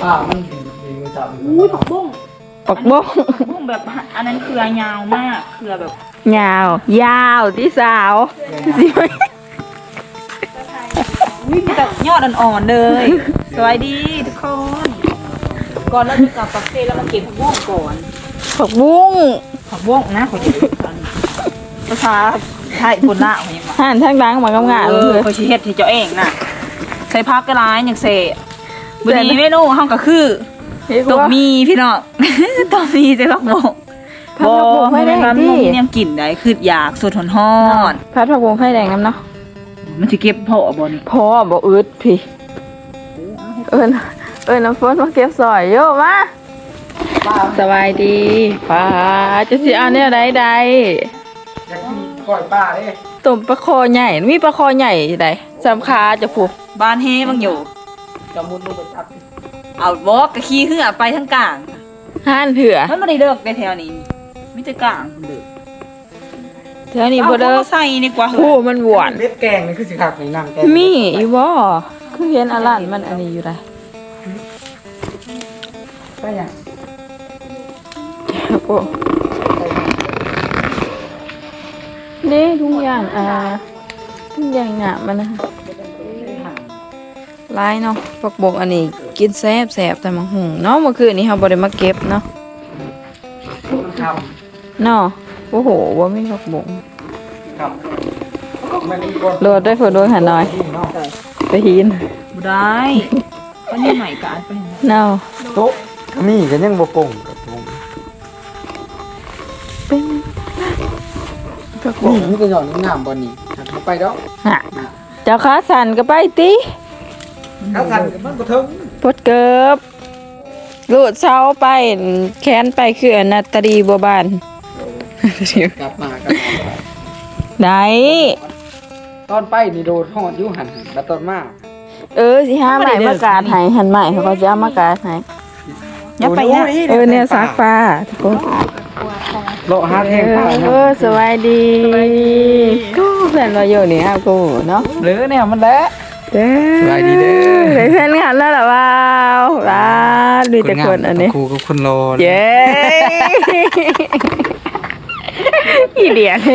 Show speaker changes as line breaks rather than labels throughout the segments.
ป้ามันมีมือจับ
อุ้ยผักบุ้ง
ปักบ้ง
ผักบุ้งแบบอันนั้นเครือยาวมากเครือแบบ
ยาวยาวที่สาวสิไหม
อุ้ยมีแต่ยอดอ่อนๆเลยสวัสดีทุกคนก่อนเราจะกลับปักเซแล้วมาเก็บผักบุ้งก่อน
ปักบุ้ง
ผักบุ้งนะขอชื่อภาษาไทยคนละของยังไง
หันทางดังมากำงานเลย
ขอชี้เฮ็ดที่เจ้าเองน่ะใส่พักกระไรอย่างเสะบุรีเมนูห้องก็คือตบมีพี่น้อง ตบมีใส่ผักบุ้งไม่ได้ร้านมุ้งเนี่ยกลิ่นได้คืออยากสดหอน
พัดผักบุ้งไฟแดงน้ำเนาะ
มันจะเก็บเพาะบ่นี่
พอบอกอึดพี่เอิญน้ำฝนมาเก็บสอยโยมาสบายดีป้าจะสิเอาเนี่ยใด
อยากกินก้อยป้าเด้
ๆต้มปลาคอใหญ่มีปลาคอใหญ่ใดสำคาจะผูก
บ้านเฮบังอยู่
จะมุดลงไปจับ
เอาบอกกะขี้ขึ้นไปทั้งกลาง
ห่านเถื่อ
มันไม่ได้เลิกในแถวนี้มิจะกลางคนเดิม
เถื่อนี่บ่เด้อ
ใส่นี่กว่า
โอ้มันหวาน
เล็ดแกงนี่คือสิคักนี่นั่งแกง
มีอีบ่คือเห็นอลันมันอันนี้อยู่ได้
ไปยัง
โอ้นี่ทุกอย่างทุกอย่างงะมันนะลายเนาะปักบกอันนี้กินแซ่บแต่มังหุงเนาะเมื่อคืนนี้เราบ่ได้มาเก็บเนาะ
ครับ
เนาะโอ้โหว่ามีปักบก
ครับมันมีคน
โดดได้ฝนโดนหันหน่อยไปหิน
บ่ได้ก็นี่ใหม่กันไป
เนาะ
โต๊ะนี่ก็ยังบ่กงกับวง
เป็นปักบ
นี่
ก
มีแต่หย่อนน้ำบ่นี่หักไปดอก
ฮะเจ้าขาสั่นก็ไปติ
ถ้าสั่นก็มันบ่ถึง
ปดเกิบลูดเช้าไปแค้นไปคืออนัตตรีบัวบาน
กลับมา
ไหน
ตอนไปนี่โดนฮอดอยู่หั่นแล้วตอนมา
สิห้าใหม่มากาดให้หันใหม่เขาก็จะเอามากาดให้
อย่าไปนะ
เนี่ยซักปลาทุกคน
โลหะแห้งปลา
สวัสดีกูเพื่อนมาอยู่นี่ฮะกูเนาะ
หรือเนี่ยมันแหละ
เด้อ
สวัสดีเด้อ
ได้เพื่อนกันแล้วเหรอว้าวว้าดูแต่คนอันนี้
ครูกับคนรอ
เย้อีเดียน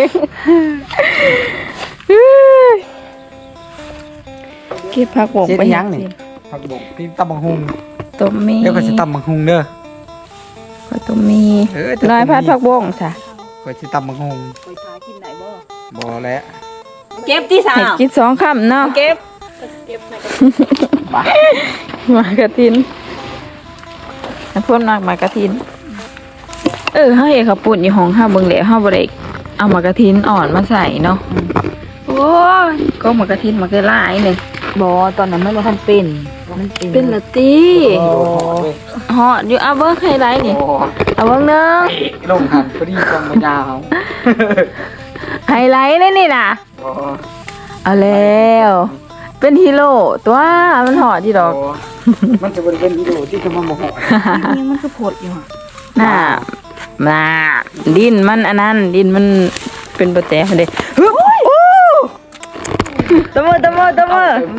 เก็บผักบง
เจ็ด
ไป
ยังนี่ผักบกพี่ตำบังฮุง
ต้มมี
เดี๋ยวก็สิตำบังฮุงเด้อ
ข้าวต้มมี
แต่
น้อยพัดผักบงจ้ะ
ก็สิตำบังฮุง
ไปทากินไหนบ่
บ่แล้ว
เก็บที่สา
ให้
ม
กิน2 คำเนาะ
เก็บ
หมากระทินน้ำพ่นหมากระทินเฮาเห็นเขาปุ่นอยู่ห้องห้าเบิ่งแล้วเฮาบ่ได้เอาหมากระทินอ่อนมาใส่เนาะโอ้ยก็หมากระทินมาคือหลายเลย
บ่ตอนนั้นมันบ่ทันเป็นมัน
เป็นละตี
โอ้
ฮอดอยู่เอาเบิ่งให้ไรนี่เอาเบิ่งเนึง
ลงหันพอดีกองมันยาว
ไฮไลท์เลยนี่น่ะ
โอ้
เอาแล้วเป็นฮีโร่ตัวมันหอดที่ดอก
มันจะเป็นวิดีโอที่จะมาโมโห
นี่มันคือผดอยู่
น่าดินมันอันนั้นดินมันเป็นโปรแตกเด้ฮึบโอ้ตะมือ
เมื่อเด้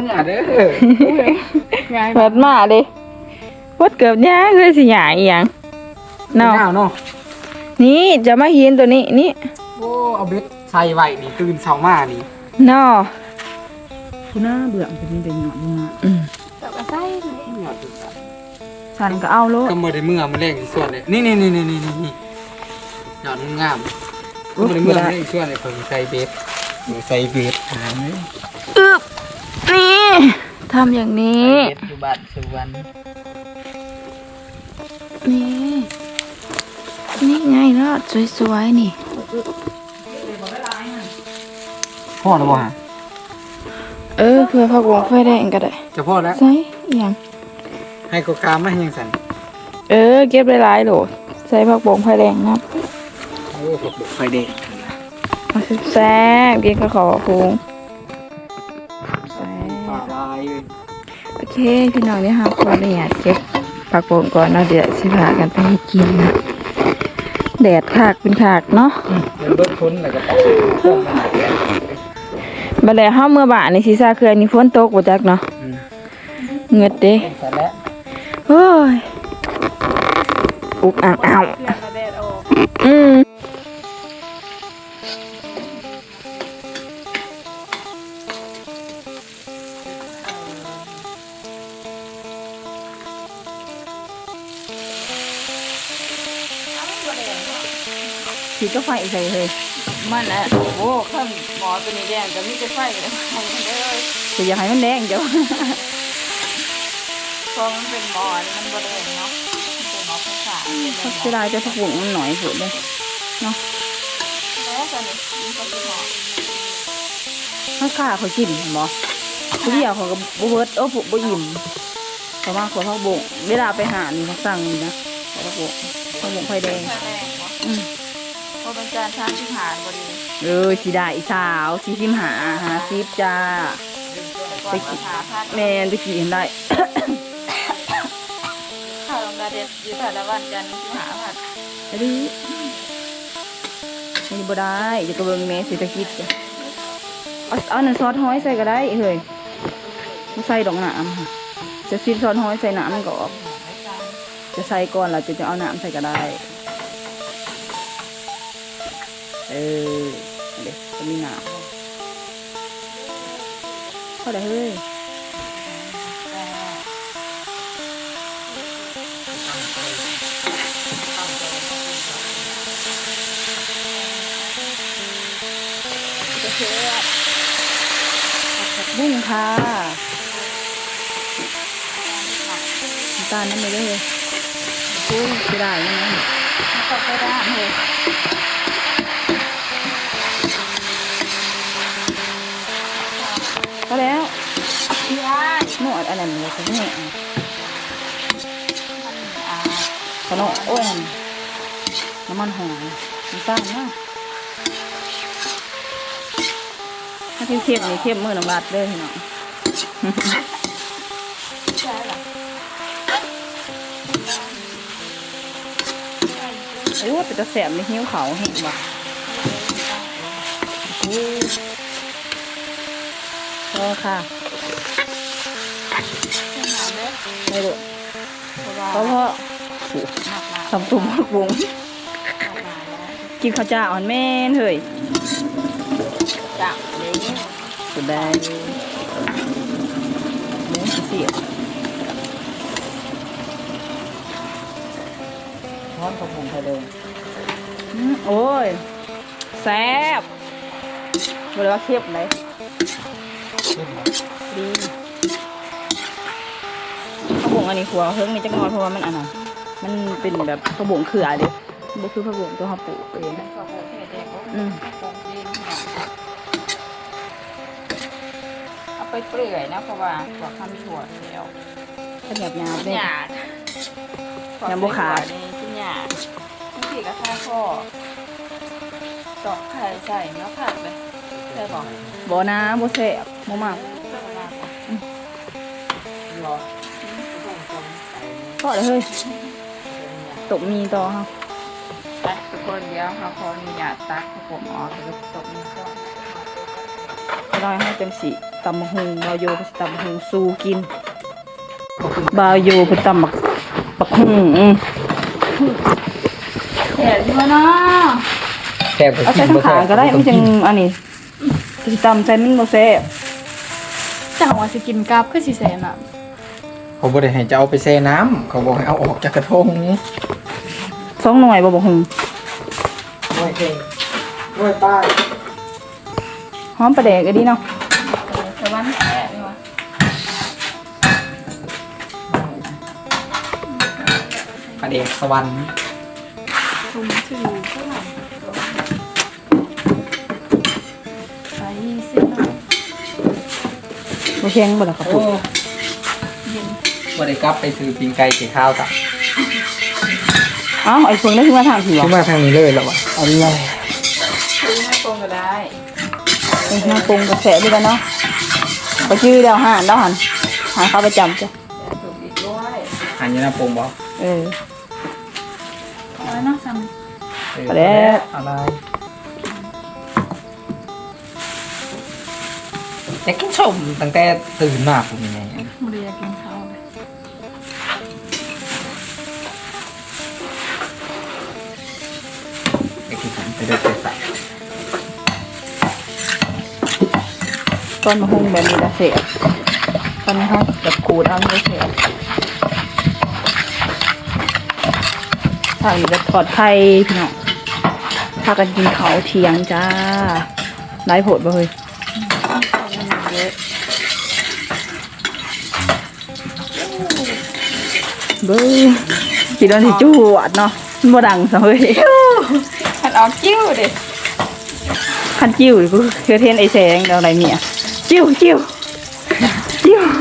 อ
เปิดมาเด้วัดเกือบย่างเลยสิหยาอีหยังเนาะ
เนาะ
นี่จะมาเห็นตัวนี้นี่
โอ้เอาเบ็ดใส่ไว้นี่ตื่นเช้ามานี่
เนาะ
คุณน่าเบื่อมันเป็นแต่หยอดมา
ห
ฉันก็เอาโลด
ก็บ่ได้เมื่อมันแรงอีกส่วนเลยนี่หยอดงามก็บ่ได้เมื่อมันแรงอีกส่วนเลยเพิ่นใส่เบ็ดใส่เบ็ดหาไหม
อึบนี่ทำอย่างนี้
เบ็ดอยู่บ้านสุวรรณ
นี่ไงรอดสวยๆนี่
พ่อแล้วบ่ฮะ
เพื่อผักหวงไฟแดงก็ได้
จะพ่อแล้ว
ใส่อหย่าง
ให้กกามาให้ยังสั่น
เก็บหลายๆโหลใส่ผักหวงไฟแดงนะ
โอ้กบไฟเด็ก
เอาแซ่บๆกินกับข้าวพุงแซ่
ปลา
บ
ลายเลย
โอเคพี่น้องนี่ค่ะขออนุญาตเก็บผักหวงก่อนเนาะเดี๋ยวสิพากันไปให้กินนะแดดขากเป็นขากเนาะ
เป็นเบิดพ้นแล้วก็ปอกมาแล้ว
บัดแล้วเฮาเมื่อบ่ายในซีซ่าคืออันนี้ฝนตกบ่จักเนาะเงือดเด้
แต่แล้ว
โอ้ยอุ๊กอ่างอ้าว
เพื่อนมาแดดออก
อืมขีดก็ไฟใส่เลย
มันแหละโอ้ข้ามหมอตัวนี้แดงจะมีจะไฟเลย
แต่อยากให้มันแดงเดี๋ยว
พอมันเป็นหมอนี่มันบ่แดงเนาะมันเป็นหมอภาษา
เขาเสียดายจะผักบุ้งมันหน่อยสุดเลยเนาะ
แล้วกันนี่มันก็เป็นหมอ
ข้าวขาเขากินเห็นบ่ผู้เดียวเขาก็บ่เบิดบ่อิ่มเขามาขอผักบุ้งเวลาไปหานี่เขาสั่งนี่นะขอผักบุ้งไฟแดง
ไฟแดงเนาะ
อืม
พอเป็นจานชามที่หารบ่ดี
สิได้อีสาว45 50จ้า
ก่อนมาหาพัด
แม่นตะกี้เห็นได้
ข้าวลงดาเด็ดอยู่แต่ละวันจันทร์ที่หาพัด
อันนี้นี่บ่ได้จะกระเบิงแม่เศรษฐกิจจ้ะเอาน้ำซอสห้อยใส่ก็ได้เฮ้ยไม่ใส่ดอกน้ำค่ะจะซีซอสห้อยใส่น้ำมันก็ออกจะใส่ก่อนแล้วจะเอาน้ำใส่ก็ได้เดี๋ยวจะมีน้ำเข้าได้เฮ้ยผักบุ้งค่ะน้ำตาลนั่นเลยเลยโอ้ยไม่ได้นะ
มันก็ไปได้เลย
พอแล้ว
พี่อ้าย
นวดอันนั้นเลยคุณแม่
อ่า
ขนมโอ้ยน้ำมันหอยน้ำตาลนะถ้าเข้มๆนี่เข้มมือน้ำบาดเลยเนาะ
ใช่หรอ
โอ้แต่จะแสบในหิ้วเขาเห็นบ่โอ้พอค่ะไม่รู้
เพราะว่า
เพราะ
หนักหนา
สำตุ่มผักบุ้งกินข้าวจ้าอ่อนแม่นเฮ้ย
จังเลย
สุดได้เนื้อเสียร้อนผักบุ้งไทยเลยโอ้ยแซ่บบอกเลยว่าเค็มเลยดีผักบุ้งอันนี้ขัวเพิ่งมีจักหน่อยเพราะว่ามันอันนั้นมันเป็นแบบผักบุ้งเขือเด้บ่คือผักบุ้งตัวเขาปลูกเอง
ขอบคุณที่เด็ก
อืม
เอาไปเปลื่อยนะเพราะว่าขวดข้ามถั่วแล้ว
ขยับยาว
ห
ได้
ยาด
ยังบ่ขาด
นี่ที่หยาดบางทีก็ข้าข้อตอกไข่ใส่เนาะผัดเลยใช่บอก
บ่นะบ่แซ่บบ่มากก็เลยเฮ้ยตกมีต่อครับ
ไปทุกคนเดี๋ยวเขาขออนุญาตตักให้ผมออกแล้วก็ตกนี้ก่อน
เราให้เป็นสีตำบักหุงบาวโยเป็นตำบักหุงสู้กินบาวโยเป็นตำบักหุง
เห็นไหมเนาะ
แซ่บ
เอาใส่ทั้งขาก็ได้ไม่จังอันนี้สิตำใส่มันบ่แซ่บ
จังว่าสิกินกับคือสิแสนอ่ะ
เขาบอกให้จะเอาไปแช่น้ำเขาบอกให้เอาออกจากกระทง
2 หน่วยบ่บักหุง
ด้วยเก่งด้วยป้าย
หอมปลาแดกก็ดีเนาะ
แต่ว่าไม่แก่เลยวะ
ประเดกสวรรค์
ทุ่มชื่อเท่าไหร่ไปสิเนาะ
บ่แข็งบ่ล่ะครับ
โอ้บริกลับไปซื้อปิงไก่เกี่ยวข้าวจ้ะ
อ้าวไอ้เพิ่งได้ขึ้นมาทางผี
ขึ้น
วะ
มาทางนี้เลยเหรอวะเอาเลย
ซื้อให้ตรงก็ได้
เอ้ยน้ำปรุงก็แซ่บดีกันเนาะไปชื่อเดียวหานเข้าประจำจ้ะ
แต่ถูกอีกด้วย
อันนี้นะปรุงบอก
เออ
เอาไว้เนาะซ้
ไปแล้ว
อะไรจะกินชมตั้งแต่ตื่นมาผมยังไง
ำบ่ได้อยากกินข้าวเลย
ต้นมะฮุ่งแบบนี้ละเสียตอนนี้เขาแบบขูดเอาไม่เสียทางนี้จะปลอดภัยพี่น้องพากันกินเขาวเที่ยงจ้าไร้ผดบ่เฮ้ยเบ้อกินแล้วสิจูหวดเนาะมันบ่ดังซะเฮ้ย
มันออกกิ้วดิ
คันจิ้วกูคือเทนไอแสงเดี๋ยวอะไรเนี่ยจิ้วจิ้วจิ้ว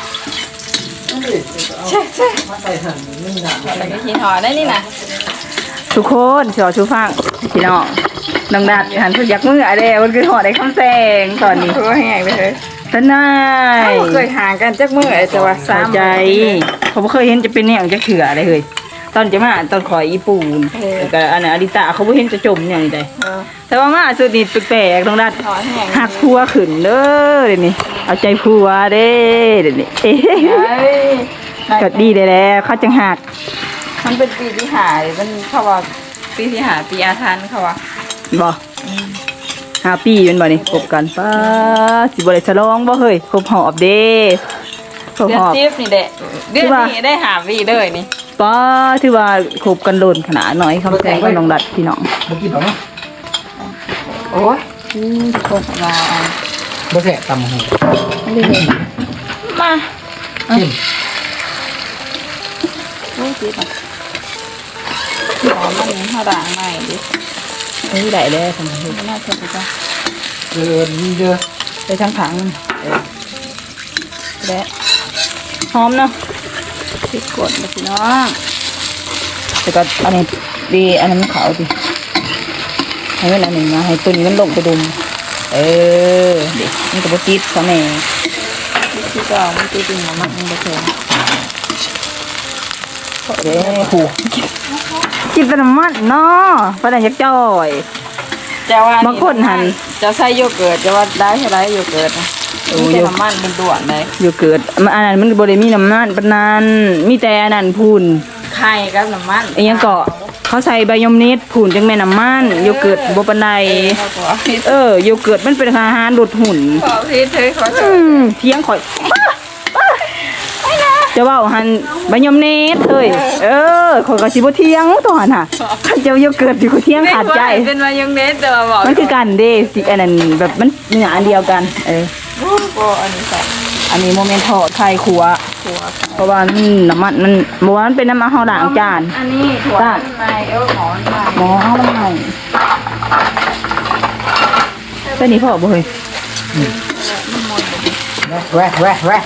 มาใส่ถังนึ่งถัง
อะไรก็กินหอได้นี่นะ
ทุกคนสอชูฟังพี่น้องน้องดัดหันทุกยักมืออะไรมันคือหอได้คำแสงตอนนี้
คือแห้งไปเลย
ทนาย
เคยห่างกันจักมือแต่ว่า
สาใจเขาบ่เคยเห็นจะเป็นเนี่ยจะเถื่ออะไรเลยตอนจะมาตอนขอยอีปูนแต่อันนั้นอดิตาเขาบ่เห็นจะจมอย่างนี้ได้แต่ว่ามาสุดนี่แปลกๆน้องดัด
หอแห้ง
หักพัวขึ้นเด้อเดี๋ยวนี้เอาใจพัวเด้เดี๋ยวนี้เอ๊ะก็ดีได้แล้วเขาจังหัก
มันเป็นปีที่หามันเขาว่าปีที่หาปีอาทันเขาว่า
บ่5 ปีเป็นบ่นี่คบกันป้าสิบ่ได้ฉลองบ่เฮ้ยครบหอบเด้ครบ
เดือ
ห
น
อบ
จีบนี่แหละเดือนนี้ได้หาวีเลยนี่
ป้าถือว่าคบกันโดนขนาดหน่อยคำแซงกับน้องดัดพี่น้อง
บ่กินหรอกเนาะ
โอ้ยคงมา
บ่แซ่บตำหู
มา
กิน
โอ้ยจีบอ่ะหอมมันเขาด่างใหม่ดิ
เฮ้ยได้แล้วทำไม
ไม่น่าเชื่อจ้ะ
เดินเด้อ
ไปทั้งถังมันและหอมเนาะ
พริกกดนะพี่น้อง
แต่ก็อันนี้ดีอันนั้นมันขาวดิให้มันอันหนึ่งนะให้ตัวนี้มันลงไปดุมเออเด็กมันก็บติดซะแม่
ที่ก็มันตีจริงของมันไม่เชื่อ
เด้หูกินแต่น้ำมันเนาะปานนั้นอยากจ่อย
จะว่า
บางคนหั่น
จะใส่โยเกิร์ตจะว่าได้เท่าไรโยเกิร์ตมีแต่น้ำมันเป็นด่วนเลย
อยู่เกิดมันอันนั้นมันบ่ได้มีน้ำมันปานนั้นมีแต่อันนั้นพูน
ไข่กับน้ำมัน
ไอ้ยังเกาะเขาใส่ใบยมนิดพูนจังแม่น้ำมันโยเกิร์ตบ่ปานใด
เขาบอกพี่
โยเกิร์ตมันเป็นอาหารลดหุ่น
ขอพี่เธอขอเธอ
เที่ยงข่อยจะว่าหันใบยมเนตเฮ้ยข่อยก็สิบ่เที่ยงตัวหันน่ะคันเจ้าโยเกิร์ตอยู่ก็เที่ยงขาดใจ
เป็นมายังเน็ตแต่ว่าบอก
มันคือกันเด้สิอันนั้นแบบมันเนื้ออันเดียวกัน
โอ้อันนี้ใส่
อันนี้โมเมนต์ทอดไข่ขัว
ถั่ว
เพราะว่ามันน้ำมันบ่ว่ามันเป็นน้ำมันเฮาล้างจาน
อันนี้ถั่วไม้หมอนไม้
หมอเฮามันให้แต่นี่พ่อบ่เฮ้ย
แวะแวะแวะ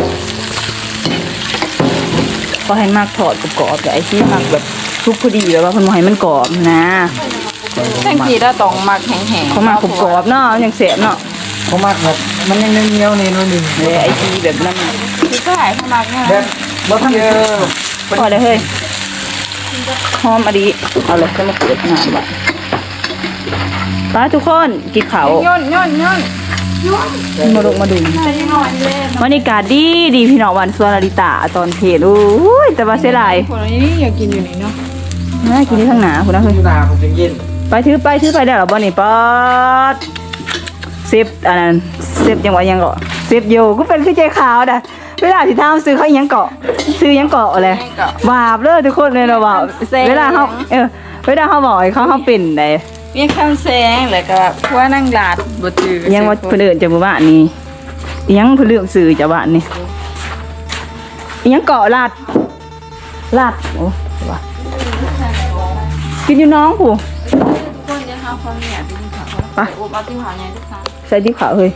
ก็ให้มากทอดกรอบๆแต่ไอ้ที่มักแบบทุกพอดีแบบว่าเพิ่นบ่ให้มันกรอบนะ
ทั้งทีแล้วต้องมักแห้งๆ
เขามากกรอบๆเนาะอย่างแซ่บเนาะ
เขามากแบบมันยังเหนียวๆนี่น้อยหนึง
เลยไอ้ที่แบบนั้น
ที่ก็หายเขามักเนี่ย
แบบบ่ทันเยอะ
พอเลยเฮ้ยหอมอะดีเอาเลยจะมาเปิดงานบ่ไปทุกคนกินข้าว
ย่น
มาดู
ใส่หน่อยเลย
บรรยากาศดีพี่น้องวันสวนอริตาตอนเพลโอ้ยแต่ว่าเสียดาย
คนนี้อยากกินอยู่นี่เนาะ
น่ากินที่ข้างหน้าคุณนะเฮ้ย
ตาผมจะกิน
ไปถือไปได้หรอบ่นี่ป๊อดเซฟอันนั้นเซฟยังว่ายังเกาะเซฟโยก็เป็นคือใจขาวนะเวลาที่ทำซื้อเขาอิหยังเกาะซื้ออิหยังเกาะอะไรบาปเลยทุกคนเลยเราบาปเวลาเขาเวลาเขาบอกให้เขาเป็นได
มีคำแซงแล้วก็ว่านั่งหลาดบ่จือ
อิหยังว่าเพิ่นเอิ้นจากหมู่บ้านนี่อิหยังเพิ่นเลือกซื้อจากบ้านนี่อิหยังเกาะลาดโอ้ว่ากินอยู่น้องผู้
คนจะหาความเนี่ยที่เขา
ไป
อุบเอาที่หาใหญ่ทุกครั้ง
ใส่ดิบขาวเฮ้ย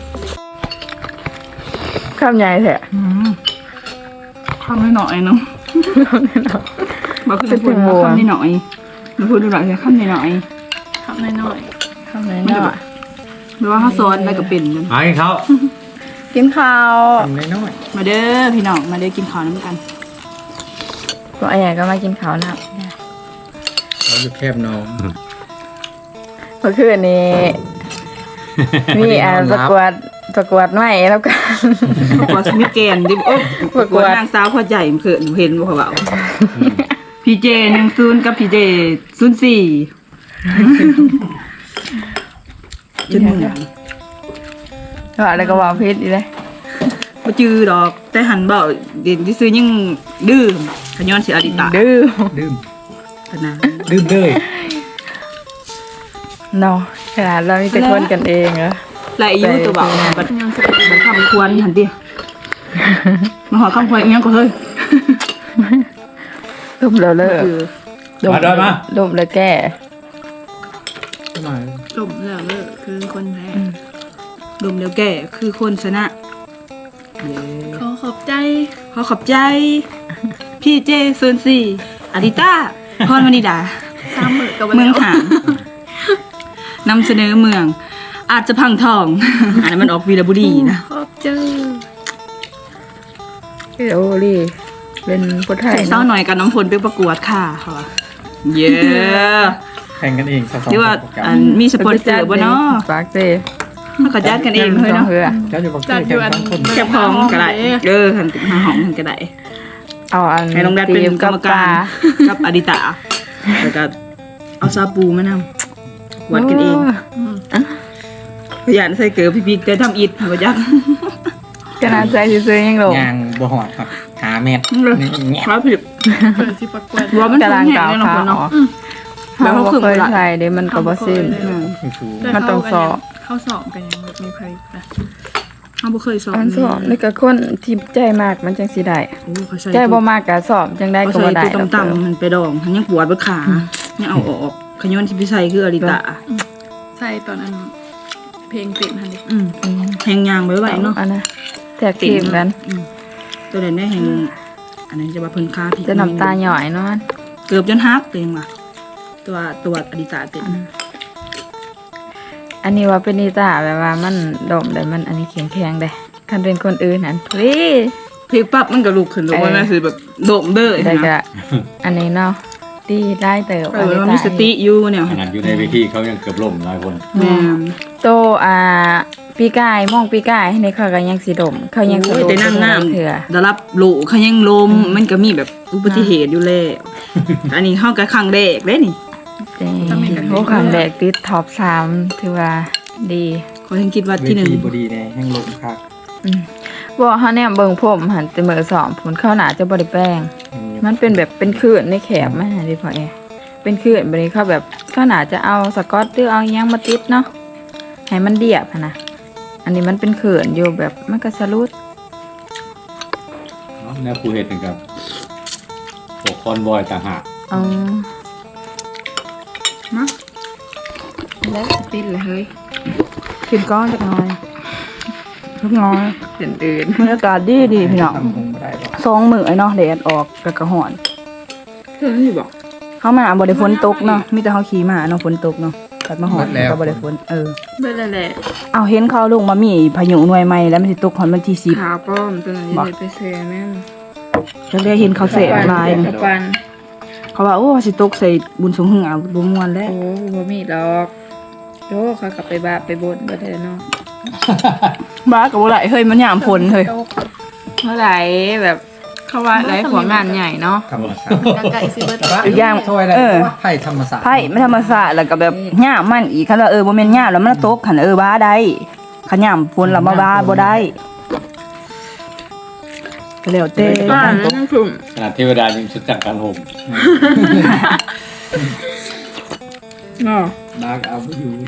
ข้ามใหญ่แท้ข้ามหน่อยเนาะบอกคือพูดข้ามนิดหน่อยมันพูดดูหน่อยข้ามนิดหน่อย
ทำน้อย
ข้ามนิดหน่อยหรือว่าเขาซ้อนไปกับเป็นมัน
หาให้เขา
กินข้าว
ทำน้อย
มาเด้อพี่น้องมาเด้อกินข้าวน้ำกัน
ก็ไอ้ใหญ่ก็มากินข้าวนะ
ๆเราอยู่แคบน้อง
เมื่อคืนนี้มีประกวดใหม่แล้วกัน
ประกวดสมิธเกนดิโอ้ประกวดนางสาวพ่อใหญ่เขินเห็นบ่เขาเบาพี่เจ10กับพี่เจ04จนเหมือน
ว่าแล้วก็ว่าเพชรอีเลย
บ่จือดอกแต่หันเบาเด่นที่ซื้อยังดื้อขย้อนสิอดิตา
ดื้อ
ดื่ม
ขนาด
ดื่มเลย
เนาะขนาดเรามีแต่คนกันเองเหรอ
หลายอยู่ตัวเบาบัดมันคำควรหันติมาหอคำควรอีหยังก็เฮ้ย
ดมแล้วเลิก
คือ
มาดอยมา
ดมแล้วแก้
ทำไม
ดมแล้วเลิกคือคนแพ้ดมแล้วแก่คือคนชนะ
ขอขอบใจ
ขอขอบใจ พี่เจโซนซีอาริต้าพรวนิดา
ตามมือกับ
เมืองหางนำเสนอเมือง อาจจะพังทอง อันนั้นมันออกวีรบุรีนะ
ขอบใจ
โอ้ลี่เป็นผู้ไทย
ใส่เศร้าหน่อยกับน้ำฝนไปประกวดค่ะค่ะเย้
แข่งกันเองสอง
ที่ว่าอันมีสปอนเซอร์บ่เนาะ
ปากเซ่
มันก็จัดกันเองเลยเนาะ
เจ้าอยู่บัก
จั
เจ้
ด
แข่
อง ยู่อัน
สองคน
แคบของก็ได้หันหาห้องก็ได้
เอาอัน
ให้น้องแดดเป็นกรรมการกับอดิตาแล้วก็เอาซาปูมานำวัดกันเองพยานใส่เกลือพี่ๆแต่ทำอิฐบ่จัก
ขนาดใจซื้อๆยังลง
ยางบ่หอดครับหาเม็ดนี่แง่
ครับผิด
เปิดสิประกวด
ว่ามัน
กำลัง
แห้
กาว
งเลย
ขา
เนาะ
ออก
แบบ
เขา
เขา
บ่
ขึ้น
เคย
ละ
ใส่เด้มันก็บ่สิ้น
ไม่ฟู
มันต้องสอบ
เข้าสอบกันยังแบบมีใครนะ
เขาบ่เคยสอน
อันสอบนี่ก็คนที่ใจมากมันจังสิได้
โอ้เขาใส่
ใจบ่มากก็สอบจังได้
เขา
ก็
ใส่
บ่ได้
ตัวต่ำๆมันไปดองมันยังปวดบนขายังเอาออกขย้อนที่พี่ใส่คืออริตา
ใส่ตอนนั้นเพลงติดฮันดิ
แหงยางไว้ไว้เนาะ
อันนะแทกทีมกัน
ตัวนั้นได้แหงอันนั้นจะว่าเพิ่นคาผิด
จะน้ำตาหย่อยเนาะ
เกือบจนฮักตัวเองว่ะตัวอริตาเป็น
อันนี้ว่าเป็นนิตาแบบว่ามันดมได้มันอันนี้แข็งๆได้คันเป็นคนอื่นนั่นพลี
พลิกปั๊บมันก็ลุกขึ้นตัวมันคือแบบโดมเด้อ
ได้
นะ
ก็อันนี้เนาะดีได้เติบ
เออว่ามีสติอยู่เนี่ย
ขนาดอยู่ในเวทีเขายังเกือบล่มหลายคน
แม่
โตปีกายมองปีกายในเขาก็ยังสิดมเขายัง
โอ้ยแต่นั่งน้
เถื่อ
ำได้รับโลเขายังลมมันก็มีแบบอุบัติเหตุอยู่แล้วอันนี้เข้ากับครั้งแรกเลยนี่
โอ้ครั้งแรกติดท็อป3ถือว่าดี
เขายังคิดว่า
เว
ที่หนึ่ง
ทีบดีแน่แห้งลมคัก
บ่เฮาเนี่ยเบิ่งผมหันแต่มื้อสองผลเข้าหนาจะบ่ได้แป้ง มันเป็นแบบเป็นคลื่นในแขบมาดิพ่อเอเป็นคลื่นบัดนี้เขาแบบเข้าหนาจะเอาสกอตหรือเอาอิหยังมาติดเนาะให้มันเดียบหั้นนะอันนี้มันเป็นคลื่นอยู่แบบมันก็สะลุด
แนวครูเห็ดถึงกับปกคอนบอยต่างหาก
อ๋อ
นะแล้วติดเลยเฮ้ยขึ้นก้อนจักหน่อยลูกน้อย
เป็นอื่น
บรรยากาศดีดีพี่น้อง
ทำคงไม่ได้หรอก
สองมื้อไอ้เนาะแดดออกแล้วก็ร้อน
เพิ่นสิบอก
เขามาบ่ได้ฝนตกเนาะมีแต่เขาขี่มาเนาะฝนตกเนาะกัดมาหอนก็บ่ได้ฝน
เบิ่นแหละ
เอาเห็นเขาลงมามีพายุหน่วยใหม่แล้วมันสิตกฮอดวันที่10
ขาวป้อมตัวนี้เลยไปเซแม่น
จักได้เห็นเขาเสพลายนี่
ปัน
เขาว่าโอ้สิตกใส่บุญสงหึงเอาบ่ม่วนแล้ว
โอ้บ่มีดอกโยเขากลับไปบาปไปบนบ่ได้เนาะ
บ้าก็บ่ได้เฮ้ยมันยามฝนเฮ้ย
เมื่อไหร่แบบเขาว่าหลายของงานใหญ่เนาะ
ธรรมศาสตร์
กาไก่ซิเบิร์ต
อีกอย่าง
ช่วยอะไรไผ่ธรรมศาสตร์
ไผไม่ธรรมศาสตร์แล้วก็แบบยามมันอีกคันว่าบ่แม่นยามแล้วมันตกคันบ้าได้คันยามฝนแล้วมาบ้าบ่ได้ก็แล้วแต่
บ้านนั่นคือ
ขนาดเทวดายังชุดจักการห่ม
เนาะ
ดากเอาไม่อยู่นะ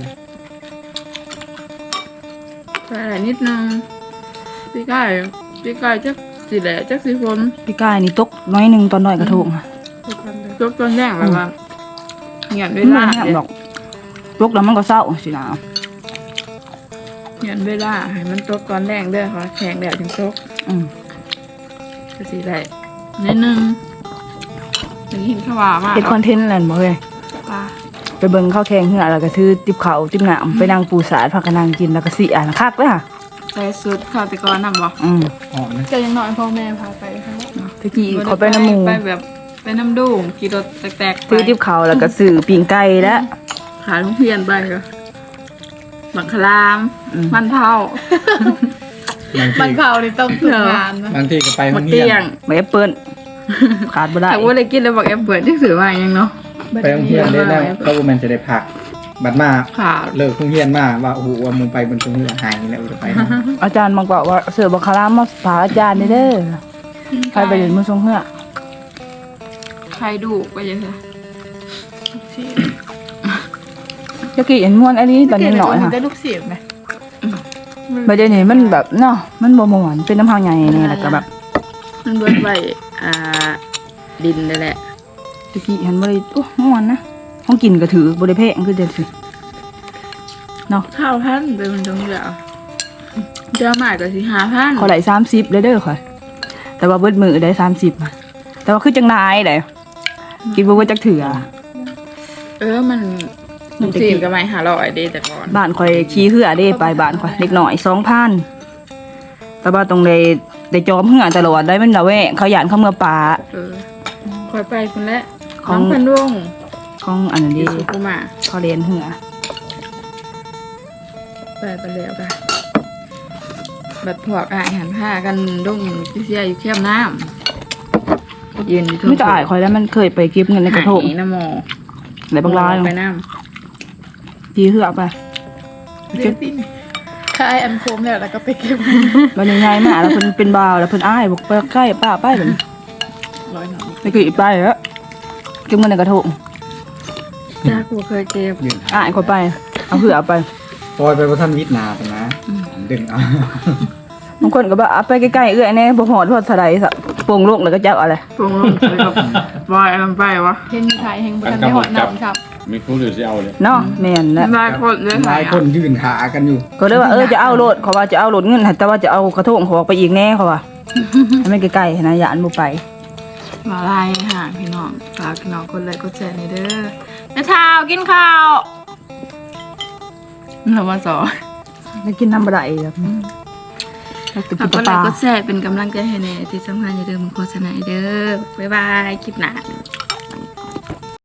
ใส่นิดนึงพี่ไก่จักสิแหละจักสิฝน
พี่กายนี่ตกน้อยหนึงตอนน้อยกระทง
ยกต้นแรกแบบว่าเงียบเว
ไม่
ลา
ยามดอกตกแล้วมันก็เศร้าสินะ
เงียบเวลาให้มันตกก่อนแรงเด้อค่ะแข็งแล้วถึงตก
อืม
ก็สิได้นิดนึงถึงเห็นขวามาก
เฮ็ดคอนเทนต์นั่นบ่เฮ้ย
ว่า
ไปเบิ่งข้าวแข่งเหือแล้วก็ถือติ๊บข้าวติ๊บน้ำไปนั่งปูสาดพากันนั่งกินแล้วก็สิอ่านคักเลยค่ะ
ใส่สุดข้าวตะกอนนำบ่
อืม
หอมนะ
ก็ยังน้อยพ่อแม่พาไปค่ะ
ตะกี้ขอไปน้ำหมู
ไปแบบไปน้ำดูงขี่รถแตกๆไป
ซื้อติ๊บข้าวแล้วก็ซื้อปิ้งไก่แล้ว
ขายลูกเพียนไปก็บักคลาม
อืม
มันเท่า
บาง
บั
ที
นเผาในต้องฝึกงานนะ
บางทีก็ไปห้
บั
อง
ก
เรี
เตี้
ย
ย
น
ง
ไม่แอปเปิ้ลขาดบ่ได้
แต่ว่าเลยกินแล้วบักแอปเปิดที่สื่อว่ายังเนาะ
ไปห้องเรียนได้แล้วเขาบ่แม่นจะได้พักบัดมา
ค่ะ
เลิกโรงเรียนมาว่าโอ้โหว่ามึงไปบนตรงนี้หายแล้วจะไปนะ
อาจารย์บอกว่าเสือบังคารามมาฝากอาจารย์เด้อใครไปเรียนมือทรงเฮือ
ใครดูไปยังไง
จะกี่เห็นม่วนอันนี้ตอนนี้หน่อยค่ะ
ได้ลูกเสียบไหม
ประเด็นนี้มันแบบเนาะมันบ่ม่วนเป็นน้ำพังใหญ่นี่แล้วก็แบบ
มันเบิดไว้ดินนั่นแหละ
ตะกี้เห็นบ่ได้โอ้ม่วนนะห้องกินก็ถือบ่ได้แพงคือเด็ดสิเนาะ
ข้าวพันเป็นมันตรงเดียวเจ้าหมายก็สิ5,000
ขอไหล30เด้อค่ะแต่ว่าเบิดมือได้30อะแต่ว่าคือจังนายได้กินบ่เบิดจักเถื่อ
มันลูกเสียบก็ไม่500เด้แต่ก่อน
บ้านข่อยขี่เหือเด้ไปบ้านข่อยเล็กน้อย 2,000แต่ว่าตรงได้จอมเหือตลอดได้มันละแวะเขาย่านเขาเมื่อป่า
คอยไปคนละ
ของ
น้องพันวง
ของอันนั้น
ดี
ดี
สุกุมา
เขาเรียนเหือ
ไปแล้วกันบัดพวกอาหารผ้ากันดงพี่เสียอยู่แคมน้ำยืนอยู่
ไม่จะอายข่อยแล้วมันเคยไปเก็บเงินในกระทง
หายน้ำหมอ
ไหนบางราย
ไปน้
ทีเหือไป
ำเรียนติ้นคายอันโคมแล้วก็ไปเก็บ
มันยังไงมาแล้วเพิ่นเป็นบ่าวแล้วเพิ่นอ้ายบอกไปใกล้ป้าไปเพิ่น
ร้อยหน่อย
ไปกี่ไปแล้วเก็บเงินในกระทง
จ้ากูเคยเก็บ
ยืน
อ้ายข่อยไปเอาเหือไป
ปล่อยไปว่าท่านวิทย์นาไปนะดึงเอา
บางคนก็บอกเอาไปใกล้ๆเอื้อยแน่บ่ฮอดพอดสะไดซะโป่งโลกแล้วก็จับเอาเลย
ปรุงลงไปกับบอยลงไปวะเห็นไทยเห็นบุญได้หอดน้ำครับ
มีผู้หรือจะเอาเลย
เนาะแม่นแหละ
ลายคนเลย
หลายคนยืนหากันอยู่
ก็เลยว่าจะเอาโลดเขาว่าจะเอาโลดเงินแต่ว่าจะเอากระทงเขาออกไปอีกแน่เขาว่าให้มันใกล้ๆนะอย่าอันบ่ไป
มาลายห่างพี่น้องฝากพี่น้องคนเลยก็แชร์ในเด้อแม่เช้ากินข้าวเรามาสอน
ไม่กินน้ำบะไดแบบแล้วก็
ฝา
กิ
ก
น
คน
ป
เลย
ลา
ก็แชร์เป็นกำลังใจให้แน่ที่สำคัญอย่าลืมโฆษณาเด้อบ๊ายบายคลิปหน้า